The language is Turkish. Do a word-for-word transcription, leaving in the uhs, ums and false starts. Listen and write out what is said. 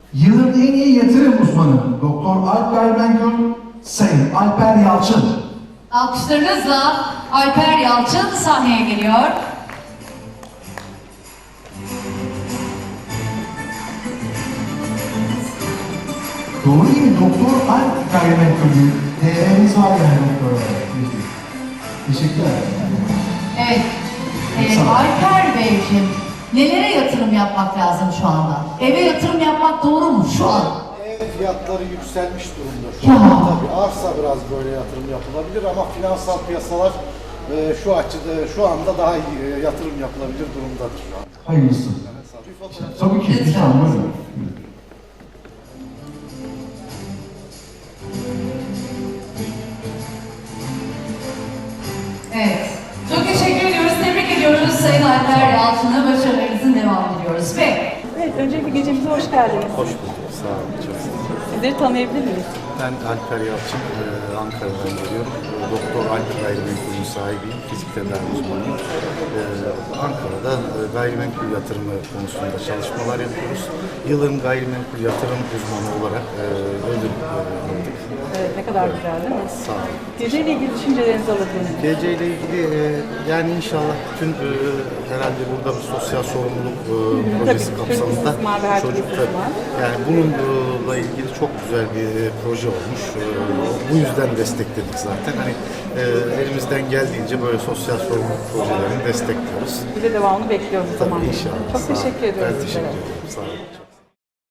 Yılın en iyi yatırım uzmanı Doktor Alp Gayrimenkul, Sayın Alper Yalçın. Alkışlarınızla Alper Yalçın sahneye geliyor. Doğru değil mi? Doktor Alp Gayrimenkul'ün T V'miz var yani doktor olarak. Teşekkürler. Evet. Ee, Alper Beyciğim, nelere yatırım yapmak lazım şu anda? Eve yatırım yapmak doğru mu şu an? Ev fiyatları yükselmiş durumda şu Ya. anda. Tabii arsa biraz böyle yatırım yapılabilir ama finansal piyasalar e, şu açıda şu anda daha iyi e, yatırım yapılabilir durumdadır şu an. Hayırlısı. Bir fotoğraf- Tabii ki. Lütfen buyurun. Evet. Çok teşekkür ediyoruz, tebrik ediyoruz Sayın Alper Yalçın'a. Başarılarınızın devam ediyoruz. Ve Evet, öncelikle gecemize hoş geldiniz. Hoş bulduk, sağ olun, çok sağ olun. Sizleri tanıyabilir miyiz? Ben Alper Yalçın, e, Ankara'dan geliyorum. E, Doktor Alper Gayrimenkul'ün sahibiyim, fizik tedavi uzmanıyım. E, Ankara'da e, gayrimenkul yatırımı konusunda çalışmalar yapıyoruz. Yılın gayrimenkul yatırım uzmanı olarak e, ödül e, aldık. Evet, ne kadar güzel değil mi? Sağ olun. Geceyle ilgili düşüncelerinizi alabilir miyiz? Gece ile ilgili e, yani inşallah bütün e, herhalde burada bir sosyal sorumluluk e, projesi Tabii, kapsamında çocuk mavi her çocuk çocuk tabii, var. yani bununla ilgili çok güzel bir e, proje olmuş. E, bu yüzden destekledik zaten. Hani e, elimizden geldiğince böyle sosyal sorumluluk projelerini destekliyoruz. Bir de devamını bekliyoruz o zaman. Tabii inşallah. Çok Sağ olun. teşekkür ediyoruz. Ben teşekkür sizlere. ederim. Sağ olun.